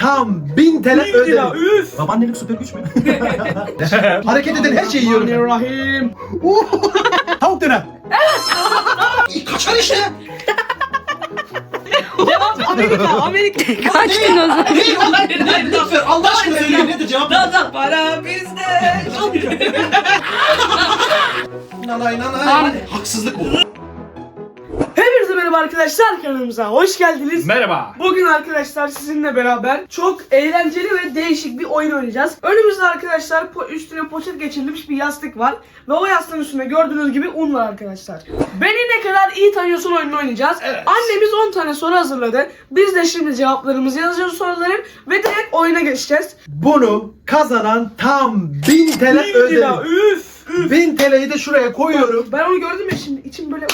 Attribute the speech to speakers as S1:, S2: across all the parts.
S1: tam 1000 TL ödedim.
S2: Üf.
S1: Babaannelik süper güç mü? Hareket eden her şeyi yiyorum.
S2: Rahim.
S1: Tavuk döner. Kaçar işte.
S2: Cevap Amerika.
S3: Kaçtın o zaman.
S1: Ne? Allah aşkına söyle nedir cevap?
S2: Para bizde.
S1: Nanay nanay. Haksızlık bu.
S2: Hepinize merhaba arkadaşlar, kanalımıza hoş geldiniz.
S1: Merhaba.
S2: Bugün arkadaşlar sizinle beraber çok eğlenceli ve değişik bir oyun oynayacağız. Önümüzde arkadaşlar üstüne poşet geçirilmiş bir yastık var. Ve o yastığın üstünde gördüğünüz gibi un var arkadaşlar. Beni ne kadar iyi tanıyorsun oyununu oynayacağız.
S1: Evet.
S2: Annemiz 10 tane soru hazırladı. Biz de şimdi cevaplarımızı yazacağız soruların ve direkt oyuna geçeceğiz.
S1: Bunu kazanan tam 1000 TL ödedim.
S2: Üf.
S1: 1000 TL'yi de şuraya koyuyorum.
S2: Ben onu gördüm ya, şimdi içim böyle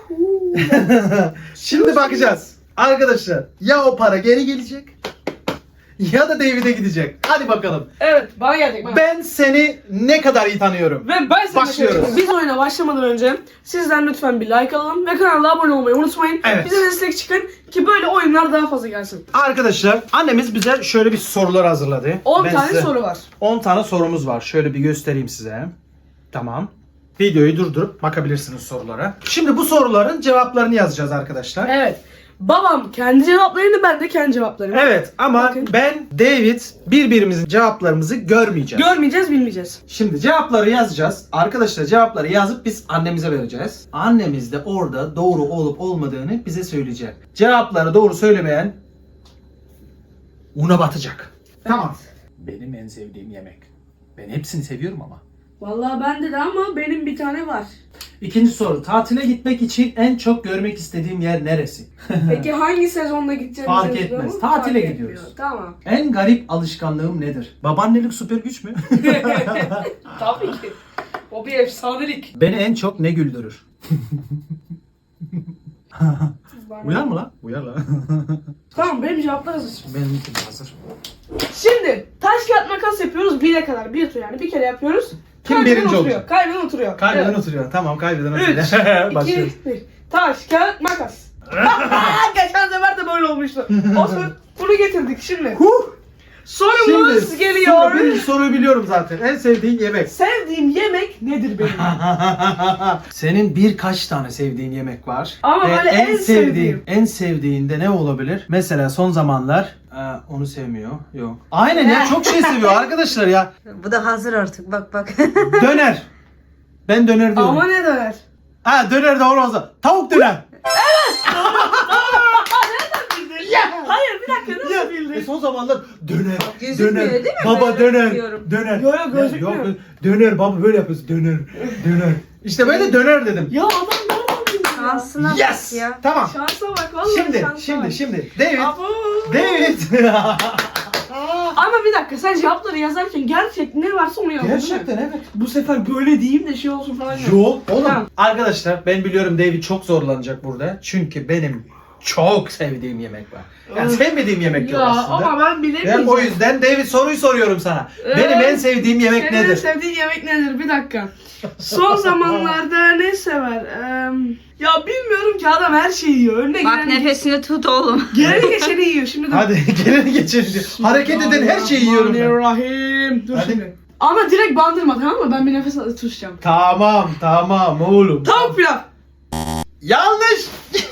S1: Şimdi bakacağız. Arkadaşlar ya o para geri gelecek ya da David'e gidecek. Hadi bakalım.
S2: Evet, bana gelecek bana.
S1: Ben seni ne kadar iyi tanıyorum.
S2: Ve ben sana
S1: Başlıyoruz.
S2: Biz oyuna başlamadan önce sizden lütfen bir like alalım ve kanala abone olmayı unutmayın.
S1: Evet.
S2: Bize destek çıkın ki böyle oyunlar daha fazla gelsin.
S1: Arkadaşlar annemiz bize şöyle bir sorular hazırladı.
S2: 10
S1: Ben
S2: tane
S1: size-
S2: soru var.
S1: 10 tane sorumuz var. Şöyle bir göstereyim size. Tamam. Videoyu durdurup bakabilirsiniz sorulara. Şimdi bu soruların cevaplarını yazacağız arkadaşlar.
S2: Evet. Babam kendi cevaplarını, ben de kendi cevaplarımı.
S1: Evet ama
S2: Bakın.
S1: ben, David birbirimizin cevaplarımızı görmeyeceğiz.
S2: Görmeyeceğiz, bilmeyeceğiz.
S1: Şimdi cevapları yazacağız. Arkadaşlar cevapları yazıp biz annemize vereceğiz. Annemiz de orada doğru olup olmadığını bize söyleyecek. Cevapları doğru söylemeyen una batacak. Tamam. Benim en sevdiğim yemek. Ben hepsini seviyorum ama.
S2: Vallahi bende de ama benim bir tane var.
S1: İkinci soru. Tatile gitmek için en çok görmek istediğim yer neresi?
S2: Peki hangi sezonda gideceğimizi
S1: Fark
S2: biliyor
S1: etmez.
S2: musun?
S1: Tatile
S2: Fark
S1: gidiyoruz.
S2: etmiyor. Tamam.
S1: En garip alışkanlığım nedir? Babaannelik süper güç mü?
S2: Tabii ki. O bir efsanelik.
S1: Beni en çok ne güldürür? Uyar mı lan? Uyar lan.
S2: Tamam, benim cevaplar hazır.
S1: Benimki de hazır.
S2: Şimdi taş kağıt makas yapıyoruz 1'e kadar. Bir tur yani, bir kere yapıyoruz.
S1: Kim
S2: Kaybeden
S1: birinci
S2: oturuyor.
S1: olacak?
S2: Kaybeden oturuyor.
S1: Kaybeden
S2: Evet.
S1: oturuyor. Tamam kaybeden
S2: 3,
S1: oturuyor.
S2: 2,
S1: Başlıyoruz.
S2: 1. Taş, kağıt, makas. Geçen sefer de böyle olmuştu. O zaman bunu getirdik şimdi. Sorumuz
S1: Şimdi
S2: geliyor.
S1: birinci soruyu biliyorum zaten. En sevdiğin yemek.
S2: Sevdiğim yemek nedir benim?
S1: Senin birkaç tane sevdiğin yemek var.
S2: Ama
S1: Ve
S2: böyle en sevdiğim.
S1: En sevdiğinde ne olabilir? Mesela son zamanlar onu sevmiyor. Yok. Aynen ya, çok şey seviyor arkadaşlar ya.
S3: Bu da hazır artık, bak.
S1: Döner. Ben döner diyorum.
S2: Ama ne döner?
S1: Ha, döner de olmaz. Tavuk döner.
S2: Hayır, bir dakika, nasıl bildin?
S1: Son zamanlar döner.
S3: Gözükmüyor
S1: Döner.
S3: değil mi?
S1: Baba
S3: Ben
S1: döner.
S3: biliyorum.
S1: Döner.
S2: Yo, yo, gözükmüyor.
S1: Yok, döner baba böyle yapıyorsun. Döner. Döner. İşte böyle döner dedim.
S2: Ya adam nereden bildi ya?
S3: Şansına
S1: Yes.
S3: bak ya.
S1: Tamam.
S2: Şansa bak vallahi, şansa bak.
S1: Şimdi. David.
S2: Abo.
S1: David.
S2: Ama bir dakika, sen cevapları yazarken gerçekten ne varsa onu yazdın değil mi?
S1: Gerçekten evet.
S2: Bu sefer böyle diyeyim de şey olsun falan.
S1: Yok oğlum.
S2: Tamam.
S1: Arkadaşlar ben biliyorum David çok zorlanacak burada. Çünkü benim çok sevdiğim yemek var. Yani sevmediğim yemek yok
S2: Ya
S1: aslında.
S2: ama ben bilemeyeceğim.
S1: Ben o yüzden David soruyu soruyorum sana.
S2: Evet.
S1: Benim en sevdiğim yemek
S2: Senin en
S1: nedir?
S2: sevdiğin yemek nedir? Bir dakika. Son zamanlarda ne sever? Ya bilmiyorum ki, adam her şeyi yiyor. Önüne
S3: Bak
S2: gelen,
S3: nefesini tut oğlum.
S2: geleni geçeni yiyor. Şimdi dur.
S1: Hadi geleni geçelim. Hareket eden her şeyi yiyorum ben.
S2: Bismillahirrahmanirrahim. Dur
S1: Hadi.
S2: şimdi. Ama direkt bandırma, tamam mı? Ben bir nefes alıp tutacağım.
S1: Tamam oğlum.
S2: Tavuk pilav.
S1: Yanlış.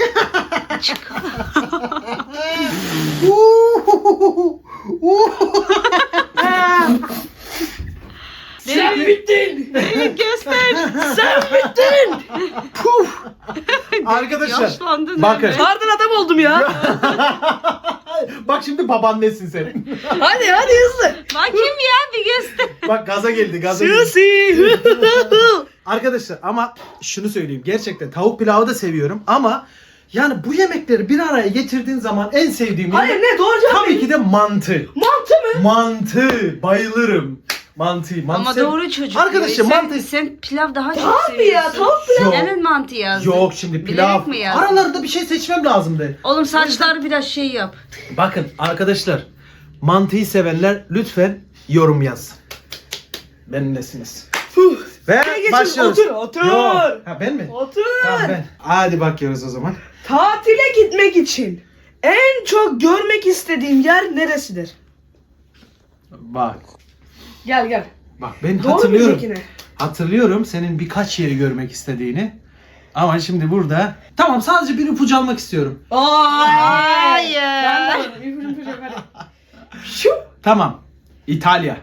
S2: Sen bittin.
S3: Göster.
S2: Sen bittin.
S1: Arkadaşlar
S3: Yaşlandın
S1: bakın.
S3: öyle.
S2: Kardan adam oldum ya.
S1: Bak şimdi babaannesin senin.
S2: Hadi hızlı.
S3: Bakayım ya, bir göster.
S1: Bak gaza geldi.
S2: Susi.
S1: Arkadaşlar ama şunu söyleyeyim. Gerçekten tavuk pilavı da seviyorum ama yani bu yemekleri bir araya getirdiğin zaman en sevdiğim
S2: Hayır,
S1: yemek
S2: ne doğru cevap
S1: tabii
S2: ne?
S1: ki de mantı.
S2: Mantı mı?
S1: Mantı. Bayılırım. Mantı
S3: Ama
S1: sev-
S3: doğru çocuk.
S1: Arkadaşlar
S3: sen,
S1: mantı...
S3: sen pilav daha çok
S2: Tabii ya,
S3: seviyorsun.
S2: tavuk pilav.
S1: Yok.
S3: Neden mantı yazdın?
S1: Yok şimdi pilav.
S3: Bilerek mi yazdın?
S1: Aralarında bir şey seçmem lazımdı.
S3: Oğlum saçları biraz şey yap.
S1: Bakın arkadaşlar, mantıyı sevenler lütfen yorum yazsın. Benimlesiniz. Ve
S2: geçin,
S1: başlıyoruz.
S2: otur.
S1: Yok. Ha ben mi?
S2: Otur.
S1: Tamam ben. Hadi bakıyoruz o zaman.
S2: Tatile gitmek için en çok görmek istediğim yer neresidir?
S1: Bak.
S2: Gel.
S1: Bak ben
S2: Doğru
S1: hatırlıyorum.
S2: mu yine?
S1: Hatırlıyorum senin birkaç yeri görmek istediğini. Ama şimdi burada... Tamam sadece bir ipucu almak istiyorum.
S3: Hayır.
S2: Ben de alırım. İpucu hadi. Şu.
S1: Tamam. İtalya.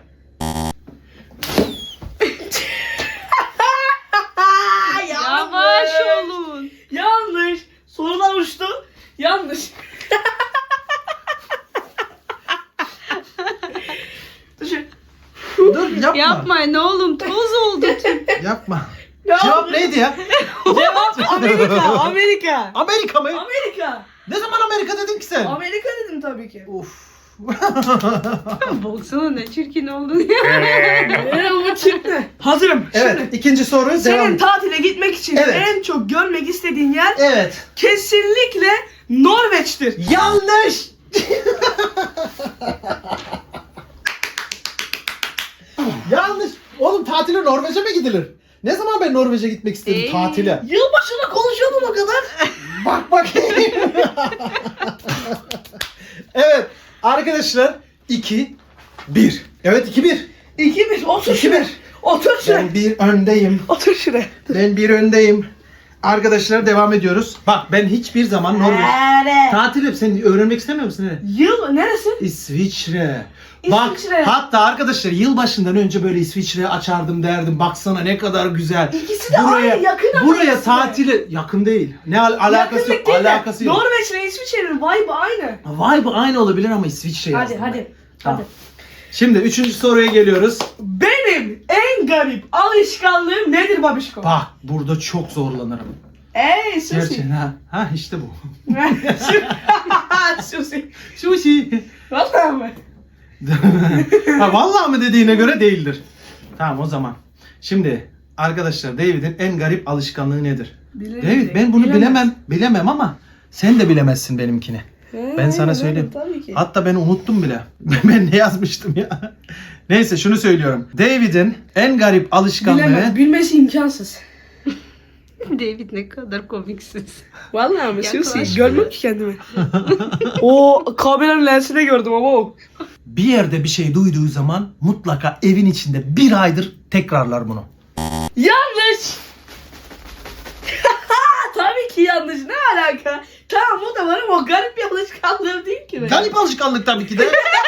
S3: Yavaş olun.
S2: Yanlış. Sorular uçtu. Yanlış. Düşün.
S1: Dur yapma.
S3: Yapmayın oğlum, toz oldu.
S1: Yapma.
S2: Ne
S1: Cevap
S2: oldu?
S1: neydi ya?
S2: Cevap Amerika. Amerika.
S1: Amerika mı?
S2: Amerika.
S1: Ne zaman Amerika dedin ki sen?
S2: Amerika dedim tabii ki.
S1: Of.
S3: Baksana ne çirkin oldun ya.
S2: Bu çıktı. Hazırım.
S1: Evet,
S2: Şimdi
S1: ikinci soru devam.
S2: senin tatile gitmek için
S1: Evet.
S2: en çok görmek istediğin yer
S1: Evet.
S2: kesinlikle Norveç'tir.
S1: Yanlış. Yanlış. Oğlum tatile Norveç'e mi gidilir? Ne zaman ben Norveç'e gitmek istedim tatile?
S2: Yılbaşında konuşuyordum o kadar.
S1: Bak bakayım. Evet arkadaşlar 2-1. Evet 2-1.
S2: 2-1. Otur
S1: 2-1.
S2: şuraya. Otur şuraya.
S1: Ben bir öndeyim.
S2: Otur şuraya.
S1: Ben bir öndeyim. Arkadaşlar devam ediyoruz. Bak ben hiçbir zaman Norveç tatil sen öğrenmek istemiyor musun? Ne?
S2: Yıl neresi?
S1: İsviçre. Bak
S2: İsviçre.
S1: hatta arkadaşlar yılbaşından önce böyle İsviçre'ye açardım derdim. Baksana ne kadar güzel.
S2: İkisi de aynı, yakın ama
S1: Buraya
S2: ikisi de.
S1: tatile yakın değil. Ne alakası yok.
S2: Yakınlık değil de
S1: Alakası yok.
S2: Norveç'le İsviçre'nin vibe'ı aynı.
S1: Vibe aynı olabilir ama İsviçre
S2: Hadi
S1: yazdım.
S2: hadi.
S1: Tamam.
S2: Hadi.
S1: Şimdi 3. soruya geliyoruz.
S2: Benim en garip alışkanlığım nedir babişko?
S1: Bak burada çok zorlanırım.
S2: Ey sushi.
S1: Gerçekten ha işte bu.
S2: Sushi.
S1: Sushi.
S2: Vallahi mı?
S1: Ha vallahi mı dediğine göre değildir. Tamam o zaman. Şimdi arkadaşlar David'in en garip alışkanlığı nedir? David ben bunu bilemem ama sen de bilemezsin benimkini. Ben sana söyleyeyim.
S2: Tabii ki.
S1: Hatta ben unuttum bile. Ben ne yazmıştım ya? Neyse şunu söylüyorum. David'in en garip alışkanlığı...
S2: Bilemez. Bilmesi imkansız.
S3: David ne kadar komiksiz.
S2: Vallahi mi?
S3: Yaklaş
S2: Sushi. Görmem ki kendimi. O kameranın lensine gördüm ama o.
S1: Bir yerde bir şey duyduğu zaman mutlaka evin içinde bir aydır tekrarlar bunu.
S2: Yanlış. Tabii ki yanlış. Ne alaka? Tamam o da var ama o garip bir alışkanlığım değil ki benim.
S1: Garip alışkanlık tabii ki de.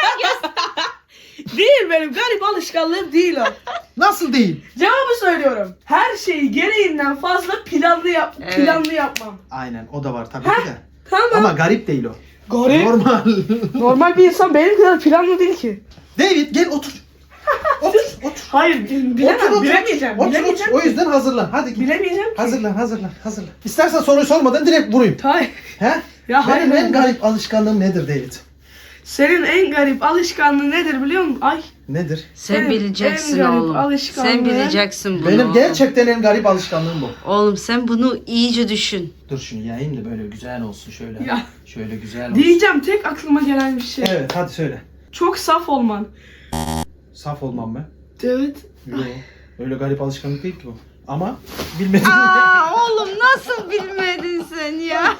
S2: Değil benim. Garip alışkanlığım değil o.
S1: Nasıl değil?
S2: Cevabı söylüyorum. Her şeyi gereğinden fazla planlı
S3: Evet.
S2: planlı yapmam.
S1: Aynen o da var tabii ki de.
S2: Tamam.
S1: Ama garip değil o.
S2: Garip.
S1: Normal.
S2: Normal bir insan benim kadar planlı değil ki.
S1: David gel otur. Otur.
S2: Hayır, bilemem.
S1: Otur.
S2: Bilemeyeceğim.
S1: Otur,
S2: Bilemeyeceğim.
S1: O yüzden hazırlan. Hadi git.
S2: Bilemeyeceğim ki.
S1: Hazırlan. İstersen soruyu sormadan direkt vurayım.
S2: Hayır.
S1: He?
S2: Ya hayır,
S1: Benim en
S2: hayır.
S1: garip alışkanlığım nedir David?
S2: Senin en garip alışkanlığın nedir biliyor musun? Ay.
S1: Nedir?
S3: Sen
S2: Senin
S3: bileceksin
S2: en garip
S3: oğlum.
S2: alışkanlığın-
S3: Sen bileceksin bunu.
S1: Benim gerçekten en garip alışkanlığım bu.
S3: Oğlum sen bunu iyice düşün.
S1: Dur şunu yayayım da böyle güzel olsun şöyle.
S2: Ya.
S1: Şöyle güzel olsun.
S2: Diyeceğim tek aklıma gelen bir şey.
S1: Evet hadi söyle.
S2: Çok saf olman.
S1: Saf olmam ben.
S2: Evet.
S1: Yok. Öyle garip alışkanlık değil ki bu. Ama bilmedim.
S3: Aa oğlum nasıl bilmedin sen ya?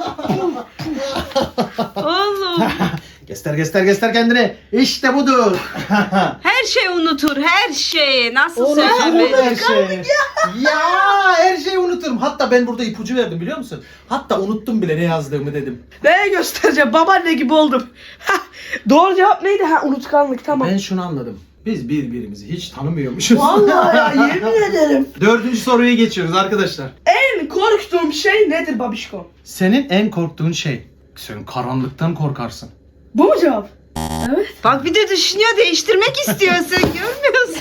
S3: Oğlum
S1: göster kendini. İşte budur.
S3: her şey unutur her şeyi. Nasıl
S1: Unuturum
S3: söylemedin?
S1: her şeyi. Ya her şeyi unuturum. Hatta ben burada ipucu verdim biliyor musun? Hatta unuttum bile ne yazdığımı dedim.
S2: Neye göstereceğim? Babaanne gibi oldum. Doğru cevap neydi? Ha unutkanlık tamam.
S1: Ben şunu anladım. Biz birbirimizi hiç tanımıyormuşuz.
S2: Vallahi ya yemin ederim.
S1: 4. soruya geçiyoruz arkadaşlar.
S2: En korktuğum şey nedir babişko?
S1: Senin en korktuğun şey. Sen karanlıktan korkarsın.
S2: Bu mu cevap? Evet.
S3: Bak bir de düşünüyor değiştirmek istiyor sen görmüyorsun.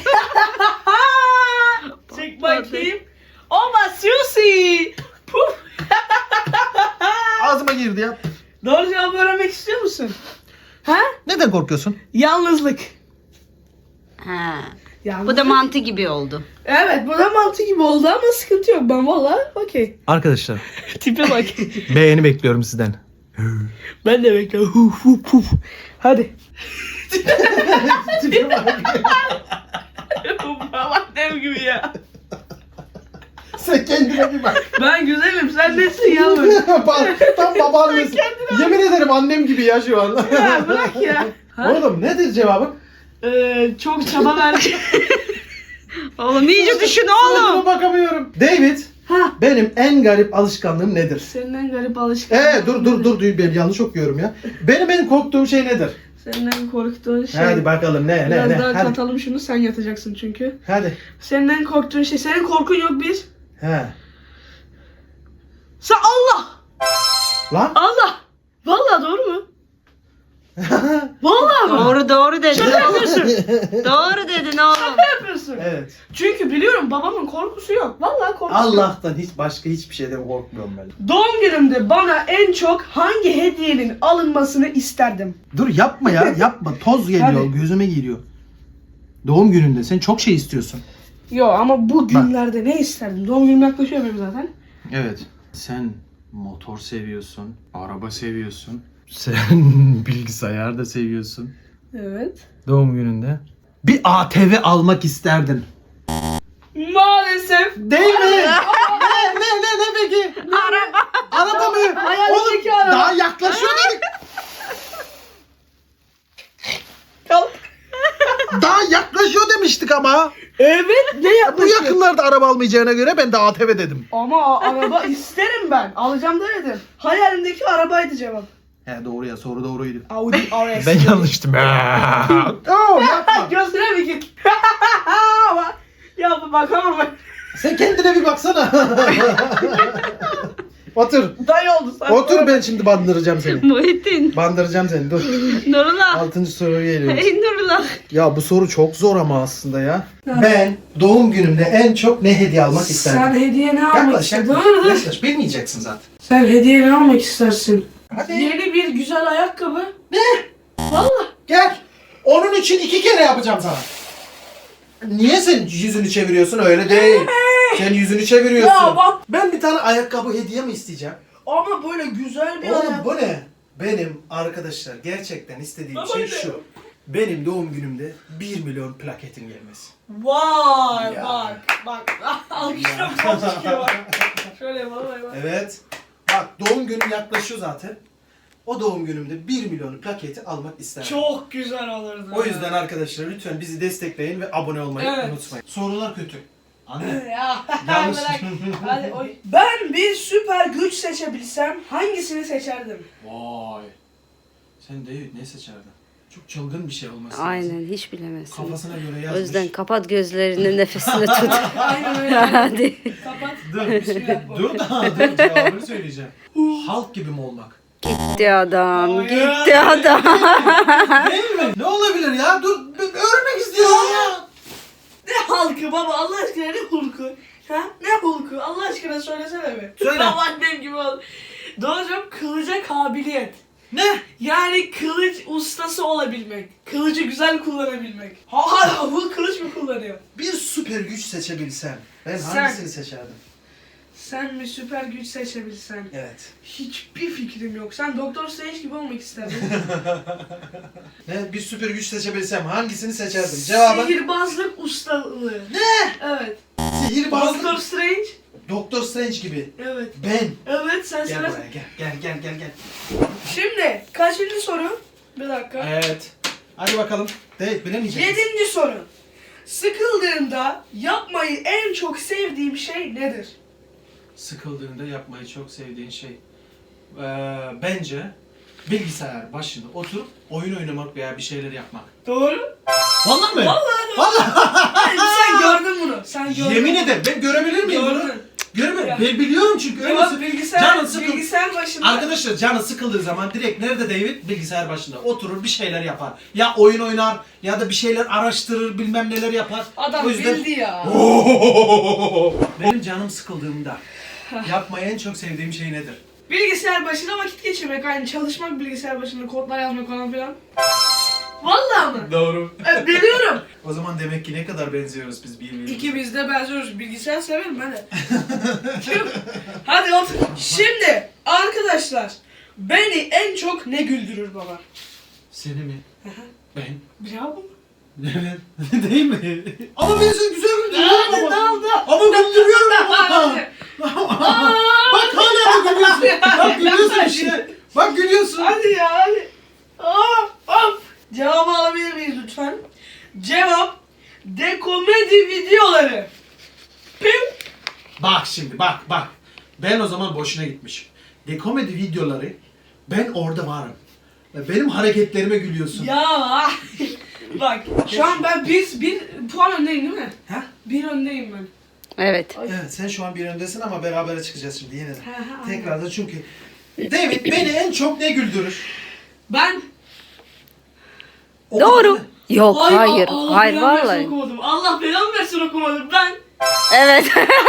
S2: Çek bakayım. Oba sushi. Puf.
S1: Ağzıma girdi ya.
S2: Doğru cevabı öğrenmek istiyor musun? Ha?
S1: Neden korkuyorsun?
S2: Yalnızlık.
S3: Ha.
S2: Yalnızlık.
S3: Bu da mantı gibi oldu.
S2: Evet bu da mantı gibi oldu ama sıkıntı yok. Ben valla okey.
S1: Arkadaşlar
S2: Tipe bak.
S1: beğeni bekliyorum sizden.
S2: Ben de bekliyorum. Huf huf huf. Hadi. Babaannem gibi ya.
S1: Sen kendine bir bak.
S2: Ben güzelim sen nesin yavrum?
S1: Tam babaannesi. Yemin ederim annem gibi ya şu an.
S2: Ya bırak ya. Ha?
S1: Oğlum nedir cevabın?
S2: çok çaba verdim.
S3: Oğlum iyice düşün
S1: Suratıma
S3: oğlum.
S1: bakamıyorum. David,
S2: Ha.
S1: benim en garip alışkanlığım nedir?
S2: Senin en garip alışkanlığın.
S1: Dur ben yanlış okuyorum ya. Benim en korktuğum şey nedir?
S2: Senin en korktuğun şey.
S1: Hadi bakalım ne
S2: Biraz daha
S1: hadi.
S2: katalım şunu, sen yatacaksın çünkü.
S1: Hadi.
S2: Senin en korktuğun şey. Senin korkun yok bir.
S1: He.
S2: Sen Allah!
S1: Lan.
S2: Allah! Vallahi doğru mu? Vallahi mı?
S3: Doğru dedin.
S2: Şaka yapıyorsun.
S3: Doğru dedin oğlum.
S2: Şaka yapıyorsun.
S1: Evet.
S2: Çünkü biliyorum babamın korkusu yok. Vallahi korkusu yok.
S1: Allah'tan başka hiçbir şeyden korkmuyorum ben.
S2: Doğum günümde bana en çok hangi hediyenin alınmasını isterdim?
S1: Dur yapma ya yapma. Toz geliyor
S2: Hadi.
S1: gözüme geliyor. Doğum gününde sen çok şey istiyorsun.
S2: Yo ama bu günlerde ne isterdim? Doğum günüm yaklaşıyor benim zaten.
S1: Evet. Sen motor seviyorsun, araba seviyorsun. Sen bilgisayar da seviyorsun.
S2: Evet.
S1: Doğum gününde. Bir ATV almak isterdin.
S2: Maalesef.
S1: Değil mi? ne peki?
S3: Araba.
S1: Araba mı?
S2: Hayalindeki
S1: Oğlum,
S2: araba.
S1: daha yaklaşıyor dedik. Daha yaklaşıyor demiştik ama.
S2: Evet ne
S1: Bu
S2: yaklaşıyor?
S1: yakınlarda araba almayacağına göre ben de ATV dedim.
S2: Ama araba isterim ben. Alacağım demedim. Hayalimdeki arabaydı cevap.
S1: He doğru ya soru doğruydu.
S2: Audi RS.
S1: Ben yanlıştım. Oo, yapma.
S2: Gözüne mi git? Ya bakamam ben.
S1: Sen kendine bir baksana. Otur.
S2: Dayı oldu sen.
S1: Otur ben şimdi bandıracağım seni.
S3: Muhittin.
S1: Bandıracağım seni dur.
S3: Nurullah.
S1: 6. soruya geliyoruz.
S3: Hey Nurullah.
S1: Ya bu soru çok zor ama aslında ya. Ben doğum günümde en çok ne hediye almak isterdim?
S2: Sen hediye ne almak
S1: Yaklaş
S2: isterdin?
S1: yaklaş. Yaklaş. Bilmeyeceksin zaten.
S2: Sen hediye ne almak istersin?
S1: Hadi.
S2: Yeni bir güzel ayakkabı.
S1: Ne?
S2: Vallahi.
S1: Gel. Onun için 2 kere yapacağım sana. Niye sen yüzünü çeviriyorsun? Öyle değil. Sen yüzünü çeviriyorsun.
S2: Ya bak.
S1: Ben bir tane ayakkabı hediye mi isteyeceğim?
S2: Ama böyle güzel bir
S1: Oğlum
S2: ayakkabı.
S1: bu ne? Benim arkadaşlar gerçekten istediğim
S2: Baba
S1: şey
S2: ne?
S1: şu. Benim doğum günümde 1 milyon plaketin gelmesi.
S2: Vay
S1: Ya.
S2: bak. Alkışla bu son çıkıyor bak. Şöyle yapalım bak.
S1: Evet. Bak doğum günüm yaklaşıyor zaten. O doğum günümde 1 milyon plaketi almak isterim.
S2: Çok güzel olurdu.
S1: O yüzden arkadaşlar lütfen bizi destekleyin ve abone olmayı
S2: Evet.
S1: unutmayın. Sorular kötü. Anne.
S2: Ya
S1: Yanlış.
S2: bırak. Hadi oy. Ben bir süper güç seçebilsem hangisini seçerdim?
S1: Vay. Sen David ne seçerdin? Çok çılgın bir şey olması lazım.
S3: Aynen hiç bilemezsin.
S1: Kafasına göre
S3: O
S1: yazmış.
S3: yüzden kapat gözlerini, nefesini tut.
S2: Aynen öyle.
S3: Hadi.
S2: Kapat.
S1: Dur.
S2: Bismillah.
S1: dur cevabını söyleyeceğim. Halk gibi mi olmak?
S3: Gitti adam,
S2: Ay,
S3: gitti adam.
S1: Değil mi? Ne olabilir ya? Dur öğrenmek istiyorum ya.
S2: Ne halkı baba Allah aşkına ne hulku? Ha? Ne hulku? Allah aşkına söylesene be.
S1: Söyle.
S2: Tam annem gibi ol. Doğruca kılıca kabiliyet.
S1: Ne?
S2: Yani kılıç ustası olabilmek. Kılıcı güzel kullanabilmek. Ha bu kılıç mı kullanıyor?
S1: Bir süper güç seçebilsem ben
S2: Sen.
S1: hangisini seçerdim?
S2: Sen bir süper güç seçebilsen.
S1: Evet.
S2: Hiçbir fikrim yok. Sen Doktor Strange gibi olmak isterdin.
S1: Ne? Bir süper güç seçebilsem hangisini seçerdim? Cevabı
S2: Sihirbazlık ustalığı.
S1: ne?
S2: Evet.
S1: Sihirbazlık.
S2: Doktor Strange.
S1: Doktor Strange gibi.
S2: Evet.
S1: Ben.
S2: Evet sen
S1: Gel
S2: söyle.
S1: buraya gel.
S2: Şimdi kaçıncı soru? Bir dakika.
S1: Evet. Hadi bakalım. Evet bilemeyecek misin?
S2: 7. soru. Sıkıldığımda yapmayı en çok sevdiğim şey nedir?
S1: Sıkıldığında yapmayı çok sevdiğin şey. Bence bilgisayar başında oturup oyun oynamak veya bir şeyler yapmak.
S2: Doğru.
S1: Vallahi mi?
S2: Vallahi. Hayır, sen gördün bunu. Sen gördün.
S1: Yemin ederim ben görebilir miyim bunu?
S2: Gördün.
S1: Görmüyorum.
S2: Ya.
S1: Ben biliyorum çünkü öyle
S2: Cevap
S1: canı
S2: bilgisayar,
S1: sıkıl-
S2: bilgisayar başında.
S1: Arkadaşlar canı sıkıldığı zaman direkt nerede David? Bilgisayar başında oturur bir şeyler yapar. Ya oyun oynar ya da bir şeyler araştırır bilmem neler yapar.
S2: Adam
S1: O yüzden-
S2: bildi ya.
S1: Benim canım sıkıldığımda yapmayı en çok sevdiğim şey nedir?
S2: Bilgisayar başında vakit geçirmek, aynı çalışmak, bilgisayar başında kodlar yazmak falan filan. Vallahi mı?
S1: Doğru.
S2: Biliyorum.
S1: O zaman demek ki ne kadar benziyoruz biz birbirimize.
S2: İkimiz de benziyoruz. Bilgisayar severim ben de. Hadi otur. Şimdi arkadaşlar beni en çok ne güldürür baba?
S1: Seni mi? Ben.
S2: Bravo mu?
S1: Evet. Değil mi? Ama ben seni güzel güldürüyorum
S2: Ne
S1: ama.
S2: oldu?
S1: Ama güldürüyorum ama.
S2: Hadi.
S1: Bak hala da gülüyorsun. Bak gülüyorsun işte. Bak gülüyorsun.
S2: Hadi ya hadi. Hop. Cevabı alabilir miyiz lütfen? Cevap dekomedi videoları. Pim.
S1: Bak şimdi bak. Ben o zaman boşuna gitmişim. Dekomedi videoları ben orada varım. Ve benim hareketlerime gülüyorsun.
S2: Ya bak şu an ben bir puan öndeyim değil mi?
S1: Ha?
S2: Bir öndeyim ben.
S3: Evet.
S1: Evet sen şu an bir öndesin ama berabere çıkacağız şimdi yine de.
S2: Ha, ha,
S1: Tekrardan çünkü David beni en çok ne güldürür?
S2: Ben
S3: Doğru. Yok hayır.
S2: Allah
S3: Hayır
S2: belamı versin
S3: vallahi.
S2: okumadım. Allah belamı versin okumadım ben.
S3: Evet.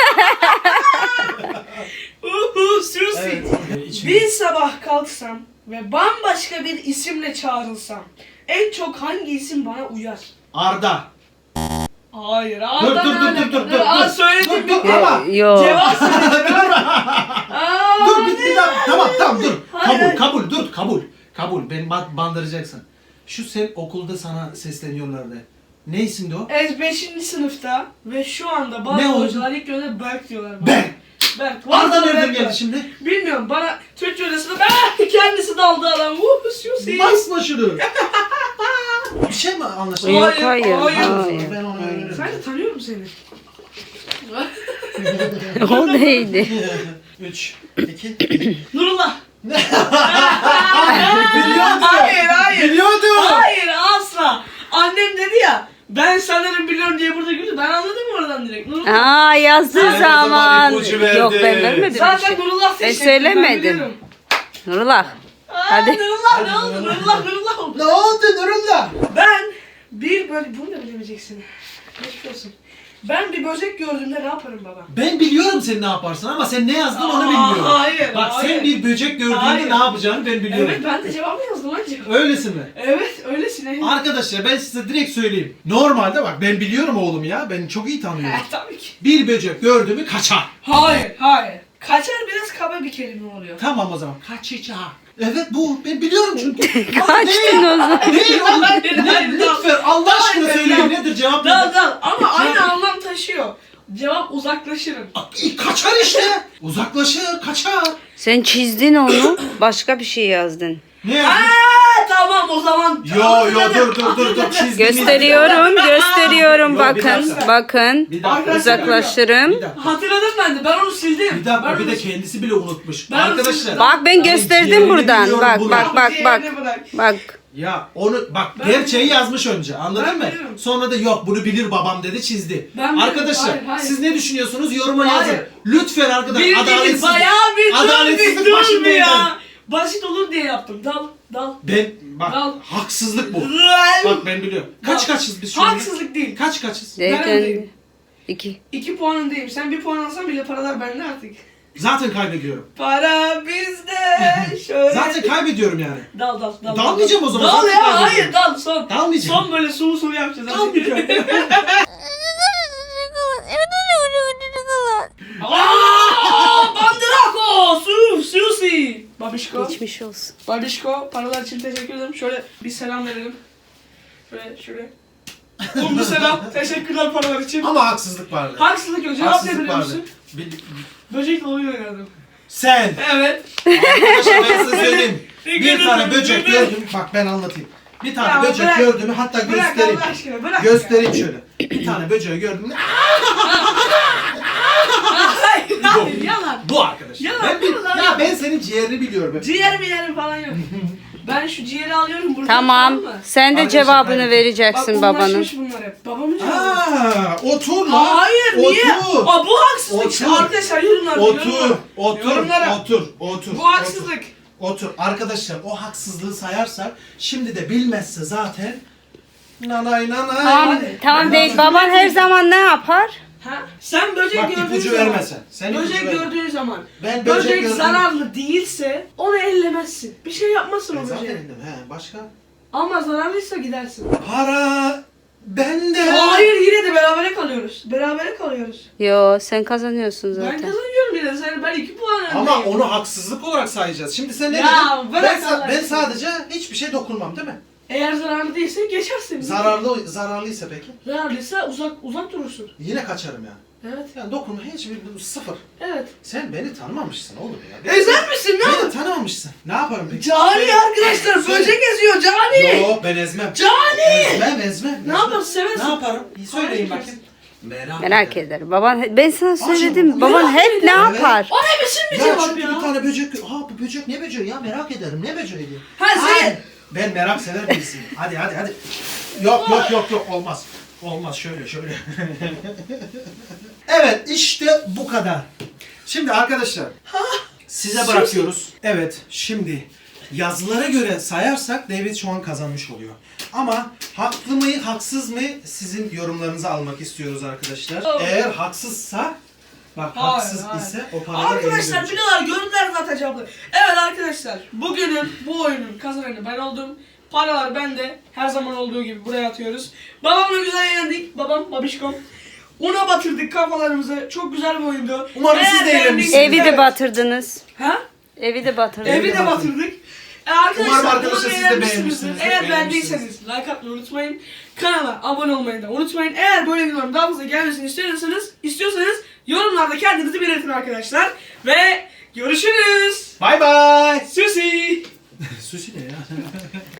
S2: Susi.
S1: Evet.
S2: Bir sabah kalksam ve bambaşka bir isimle çağrılsam en çok hangi isim bana uyar?
S1: Arda.
S2: Hayır.
S1: Dur dur.
S2: Aa söyledim
S1: Dur,
S2: bir
S1: ama.
S3: Yok.
S2: Cevap söyledim. Aa,
S1: Dur bir dakika. Tamam dur.
S2: Hayır,
S1: Kabul. Beni bandıracaksın. Şu sen okulda sana sesleniyorlardı. Ne isimdi o?
S2: 5. sınıfta ve şu anda
S1: Ne
S2: bazı
S1: oldu?
S2: hocalar ilk önce Berk diyorlar bana.
S1: Ben.
S2: Berk.
S1: Arda
S2: Vallahi
S1: nereden
S2: Berk
S1: geldi
S2: var.
S1: şimdi?
S2: Bilmiyorum bana Türkçe hocasında kendisi daldı adam. Susi.
S1: Basma şunu. Bir şey mi anlaşıldı?
S3: Yok
S2: Hayır,
S3: hayır.
S2: hayır.
S3: Hayır.
S1: Ben onu öğrenirim.
S2: Sen de tanıyorum seni.
S3: O neydi?
S1: 3, 2, 1.
S2: Nurullah.
S1: Biliyordum.
S2: Hayır.
S1: Biliyordum.
S2: Hayır asla. Annem dedi ya ben sanırım biliyorum diye burada güldü. Ben anladım oradan direkt. Nurullah.
S3: Aa yazdığı
S1: Sen o zaman
S3: zaman.
S1: ipucu verdin.
S3: Yok ben vermedim bir
S2: Zaten
S3: şey.
S2: Nurullah
S3: Ben
S2: seçecektim.
S3: söylemedim.
S2: biliyorum.
S3: Nurullah. Hadi.
S2: Nurullah ne oldu? Nurullah oldu.
S1: Ne oldu Nurullah?
S2: Ben bir böyle bunu da bilemeyeceksin. Geçmiş olsun. Ben bir böcek gördüğümde ne yaparım baba?
S1: Ben biliyorum sen ne yaparsın ama sen ne yazdın onu bilmiyorum.
S2: Hayır.
S1: Bak
S2: hayır.
S1: sen bir böcek gördüğünde
S2: Hayır.
S1: ne yapacağını ben biliyorum.
S2: Evet ben de cevabı yazdım hacı.
S1: Öylesin mi?
S2: Evet öylesin.
S1: Arkadaşlar ben size direkt söyleyeyim. Normalde bak ben biliyorum oğlum ya. Ben çok iyi tanıyorum.
S2: Tabii ki.
S1: Bir böcek gördü mü kaçar.
S2: Hayır. Kaçar biraz kaba bir kelime oluyor.
S1: Tamam o zaman. Kaçacak. Evet bu. Ben biliyorum çünkü.
S3: Kaçtın o zaman.
S1: Değil oğlum.
S2: Hayır, hayır,
S1: Lütfen Allah aşkına
S2: hayır,
S1: söyleyin
S2: hayır.
S1: nedir cevap
S2: Dal
S1: nedir?
S2: dal ama aynı anlam taşıyor. Cevap uzaklaşırım.
S1: Kaçar işte. Uzaklaşır, kaçar.
S3: Sen çizdin onu. Başka bir şey yazdın.
S1: Ne yazdın?
S2: Tamam o zaman.
S1: Yo dur çizdiğiniz.
S3: Gösteriyorum
S1: Yok, bir
S3: bakın.
S1: dakika.
S3: Bakın.
S1: Bir dakika.
S3: Uzaklaştırım.
S1: Bir dakika.
S2: Hatırladım ben de. Ben onu sildim.
S1: Bir dakika
S2: Ben
S1: bir
S2: onu
S1: de kendisi bile unutmuş.
S2: Ben
S1: Arkadaşlar.
S3: Bak ben gösterdim
S1: ciğerini
S3: buradan.
S1: biliyorum
S3: Bak
S1: bunu.
S3: bak.
S2: Diğerini bırak.
S3: Bak.
S1: Ya onu bak
S2: Ben
S1: gerçeği
S2: biliyorum.
S1: yazmış önce anladın
S2: Ben
S1: mı?
S2: biliyorum.
S1: Sonra da yok bunu bilir babam dedi çizdi.
S2: Ben biliyorum.
S1: Arkadaşlar
S2: Hayır.
S1: siz ne düşünüyorsunuz yoruma
S2: Hayır.
S1: yazın. Lütfen arkadaşlar
S2: Bildiniz
S1: adaletsizlik.
S2: bayağı bir
S1: Adaletsizlik
S2: dur
S1: başındayım
S2: bir ya. Basit olur diye yaptım. Dal.
S1: Ben bak
S2: Al.
S1: haksızlık bu. Bak ben biliyorum. Kaçız biz şu anda?
S2: Haksızlık değil.
S1: Kaçız?
S3: Zaten 2.
S2: 2 puan öndeyim. Sen 1 puan alsan bile paralar bende artık.
S1: Zaten kaybediyorum.
S2: Para bizde. Şöyle.
S1: Zaten kaybediyorum yani.
S2: Dal.
S1: Dalmayacağım o zaman,
S2: Dal
S1: zaten
S2: ya
S1: kaybediyorum.
S2: hayır dal son.
S1: Dalmayacağım.
S2: Son böyle sulu yapacağız.
S1: Dalmayacağım.
S2: Aaa! Bandrako! Susi! Babişko.
S3: Geçmiş olsun.
S2: Babişko paralar için teşekkür ederim. Şöyle bir selam verelim. Şöyle. Mutlu selam. Teşekkürler paralar için.
S1: Ama haksızlık vardı.
S2: Haksızlık yok. Cevap ne
S1: Haksızlık
S2: biliyor
S1: vardı.
S2: musun?
S1: Bil-
S2: Böcekle oyun oynadım.
S1: Sen.
S2: Evet.
S1: Arkadaşlar ben size söyleyeyim. Bir
S2: Güldüm,
S1: tane böcek
S2: güldüm.
S1: gördüm. Bak ben anlatayım. Bir tane
S2: Ya
S1: böcek
S2: bırak.
S1: gördüm. Hatta
S2: Bırak
S1: göstereyim.
S2: Allah aşkına bırak.
S1: Göstereyim şöyle. Bir tane böceği gördüm.
S2: Hayır yalan.
S1: Bu arkadaş.
S2: Yalan,
S1: Ben
S2: yalan.
S1: ben senin ciğerini biliyorum.
S2: Ciğer mi yerim falan yok. Ben şu ciğeri alıyorum buradan.
S3: Tamam.
S2: mı?
S3: Sen de
S1: Arkadaşlar,
S3: cevabını
S1: hayır.
S2: Bak
S3: vereceksin babanın.
S2: unlaşmış bunlar hep. Babamın cevabı.
S1: Aa, otur lan.
S2: Hayır niye?
S1: Otur.
S2: Aa, bu haksızlık.
S1: Otur.
S2: Arkadaşlar yorumlar. Yorumlara.
S1: Otur.
S2: Bu haksızlık.
S1: Otur. Arkadaşlar o haksızlığı sayarsak şimdi de bilmezse zaten nanay.
S3: Tamam değil. Baban her zaman ne yapar?
S2: Ha? Sen böcek
S1: Bak
S2: gördüğün
S1: ipucu
S2: zaman.
S1: vermesen. Sen ipucu
S2: Böcek
S1: verme.
S2: gördüğün zaman.
S1: Ben böcek
S2: Böcek
S1: gördüm.
S2: zararlı değilse onu ellemezsin. Bir şey yapmazsın o
S1: Zaten
S2: böceğe.
S1: indim. He, başka?
S2: Ama zararlıysa gidersin.
S1: Para bende.
S2: Hayır yine de berabere kalıyoruz. Berabere kalıyoruz.
S3: Yo sen kazanıyorsun
S2: Ben
S3: zaten.
S2: kazanıyorum yine. Ben 2 puan öndeyim.
S1: Ama onu haksızlık olarak sayacağız. Şimdi sen ne
S2: Ya,
S1: dedin?
S2: bırak
S1: Ben,
S2: Allah
S1: ben
S2: aşkına.
S1: sadece hiçbir şey dokunmam değil mi?
S2: Eğer zararlı değilse geçersin.
S1: Zararlıysa peki?
S2: Zararlıysa uzak durursun.
S1: Yine kaçarım yani.
S2: Evet.
S1: Yani dokunma hiçbir sıfır.
S2: Evet.
S1: Sen beni tanımamışsın oğlum ya.
S2: Ezer misin ne?
S1: Beni tanımamışsın. Ne yaparım peki?
S2: Cani arkadaşlar
S1: Söyle.
S2: böcek eziyor Cani.
S1: Yok ben ezmem.
S2: Cani.
S1: Ezmem.
S2: Ne yaparsın? Seversin.
S1: Ne yaparım? İyi söyleyin
S2: Merak
S1: bakayım.
S3: Merak ederim. Baban ben sana söyledim.
S1: Aşkım,
S3: Baban
S2: merak
S3: hep ne
S2: ediyorum.
S3: yapar?
S2: O ne biçim bir
S1: Ya
S2: cevap
S1: çünkü
S2: ya?
S1: bir tane böcek... Aa bu böcek ne böceği ya merak ederim. Ne böceği?
S2: Ha
S1: Hayır.
S2: sen.
S1: Ben merak sever birisiyim. Hadi. Yok olmaz. Olmaz şöyle. Evet işte bu kadar. Şimdi arkadaşlar size bırakıyoruz. Evet şimdi yazılara göre sayarsak David şu an kazanmış oluyor. Ama haklı mı haksız mı sizin yorumlarınızı almak istiyoruz arkadaşlar. Eğer haksızsa bak
S2: Hayır,
S1: haksız
S2: hayır.
S1: ise o paraları
S2: Arkadaşlar
S1: eline
S2: biliyorlar görüntüler zaten cevaplı. Evet arkadaşlar bugünün bu oyunun kazananı ben oldum. Paralar bende. Her zaman olduğu gibi buraya atıyoruz. Babamla güzel eğlendik. Babişkom. Una batırdık kafalarımızı. Çok güzel bir oyundu.
S1: Umarım siz de
S2: beğendiyseniz-
S1: eğlenmişsiniz.
S3: Evi de
S2: Evet.
S3: batırdınız.
S2: Ha?
S3: Evi de batırdınız.
S2: Evi de batırdık. Arkadaşlar,
S1: Umarım arkadaşlar
S2: umarım
S1: siz de
S2: beğenmişsinizdir.
S1: beğenmişsinizdir.
S2: Eğer
S1: Beğenmişsiniz.
S2: beğendiyseniz like atmayı unutmayın. Kanala abone olmayı da unutmayın. Eğer böyle videoların daha fazla gelmesini istiyorsanız yorumlarda kendinizi belirtin arkadaşlar. Ve görüşürüz.
S1: Bye bye.
S2: Susi.
S1: Sushi ne ya?